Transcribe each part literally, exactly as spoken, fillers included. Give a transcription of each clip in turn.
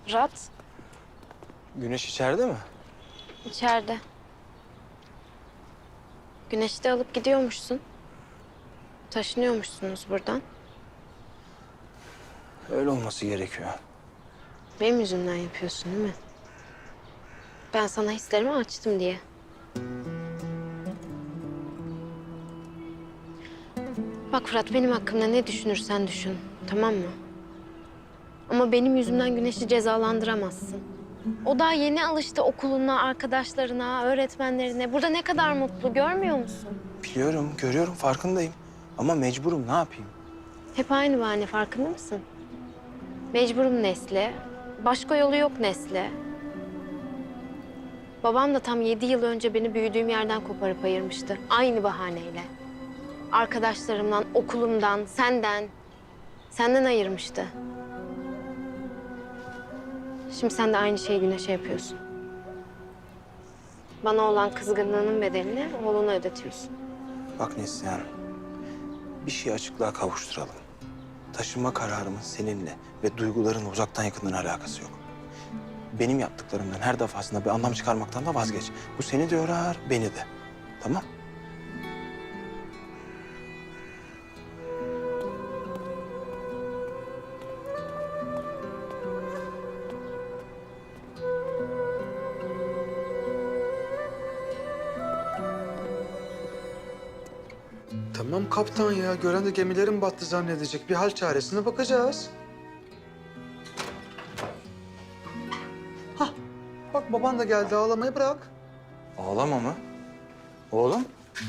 Fırat, Güneş içeride mi? içeride. Güneş'i de alıp gidiyormuşsun. Taşınıyormuşsunuz buradan. Öyle olması gerekiyor. Benim yüzümden yapıyorsun değil mi? Ben sana hislerimi açtım diye. Bak Fırat, benim hakkımda ne düşünürsen düşün, tamam mı? Ama benim yüzümden Güneş'i cezalandıramazsın. O daha yeni alıştı okuluna, arkadaşlarına, öğretmenlerine. Burada ne kadar mutlu, görmüyor musun? Biliyorum, görüyorum, farkındayım. Ama mecburum, ne yapayım? Hep aynı bahane, farkında mısın? Mecburum Nesli. Başka yolu yok Nesli. Babam da tam yedi yıl önce beni büyüdüğüm yerden koparıp ayırmıştı. Aynı bahaneyle. Arkadaşlarımdan, okulumdan, senden. Senden ayırmıştı. Şimdi sen de aynı şeyi Güneş'e yapıyorsun. Bana olan kızgınlığının bedelini oğluna ödetiyorsun. Bak Neslihan, bir şeyi açıklığa kavuşturalım. Taşınma kararımın seninle ve duyguların uzaktan yakından alakası yok. Benim yaptıklarımdan her defasında bir anlam çıkarmaktan da vazgeç. Bu seni de yorar, beni de. Tamam? Tamam kaptan ya. Gören de gemilerin battı zannedecek. Bir hal çaresine bakacağız. Hah. Bak baban da geldi. Ağlamayı bırak. Ağlama mı? Oğlum?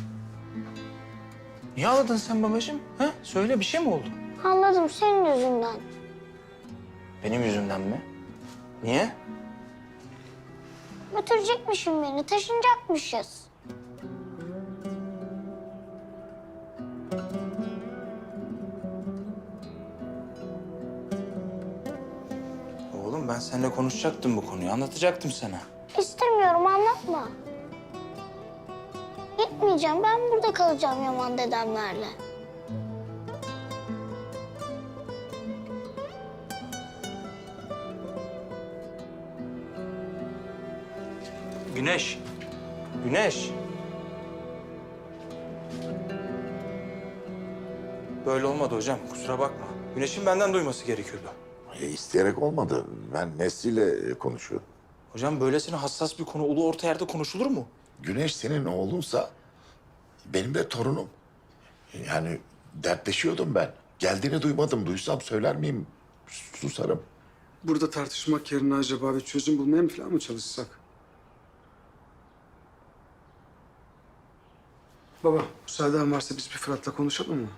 Niye ağladın sen babacığım? Ha? Söyle, bir şey mi oldu? Anladım, senin yüzünden. Benim yüzümden mi? Niye? Götürecekmişim beni, taşınacakmışız. Oğlum ben seninle konuşacaktım bu konuyu, anlatacaktım sana. İstemiyorum, anlatma. Gitmeyeceğim, ben burada kalacağım Yaman dedemlerle. Güneş. Güneş. Böyle olmadı hocam, kusura bakma. Güneş'in benden duyması gerekiyordu. E, isteyerek olmadı. Ben Nesli'yle e, konuşuyorum. Hocam böylesine hassas bir konu ulu orta yerde konuşulur mu? Güneş senin oğlunsa benim de torunum. Yani dertleşiyordum ben. Geldiğini duymadım. Duysam söyler miyim? Susarım. Burada tartışmak yerine acaba bir çözüm bulmaya mı falan mı çalışsak? Baba, müsaaden varsa biz bir Fırat'la konuşalım mı?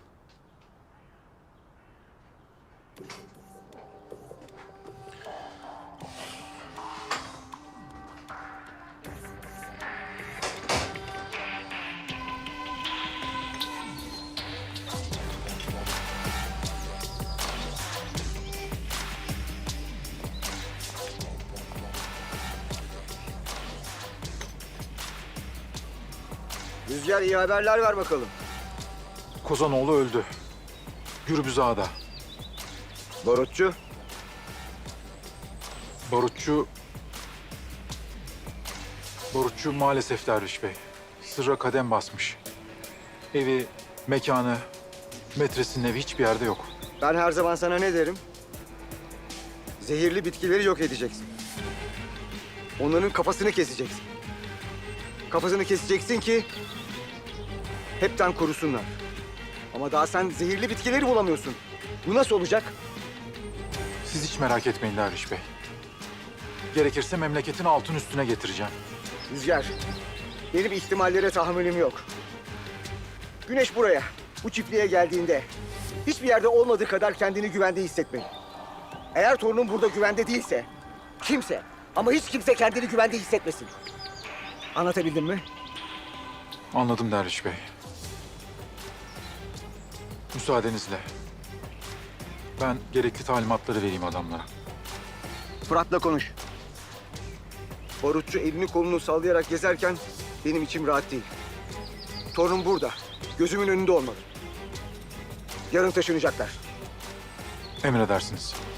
Rüzgar, iyi haberler ver bakalım. Kozanoğlu öldü. Gürbüz Ağa'da. Barutçu, Barutçu... Barutçu maalesef Derviş Bey. Sırra kadem basmış. Evi, mekanı, metresinin evi hiçbir yerde yok. ben her zaman sana ne derim? Zehirli bitkileri yok edeceksin. Onların kafasını keseceksin. Kafasını keseceksin ki hepten kurusunlar. Ama daha sen zehirli bitkileri bulamıyorsun. Bu nasıl olacak? Siz hiç merak etmeyin Derviş Bey. Gerekirse memleketin altın üstüne getireceğim. Rüzgar, benim ihtimallere tahammülüm yok. Güneş buraya, bu çiftliğe geldiğinde hiçbir yerde olmadığı kadar kendini güvende hissetmeli. Eğer torunum burada güvende değilse, kimse ama hiç kimse kendini güvende hissetmesin. Anlatabildim mi? Anladım Derviş Bey. Müsaadenizle. Ben gerekli talimatları vereyim adamlara. Fırat'la konuş. Barutçu elini kolunu sallayarak gezerken benim içim rahat değil. Torunum burada, gözümün önünde olmalı. Yarın taşınacaklar. Emredersiniz.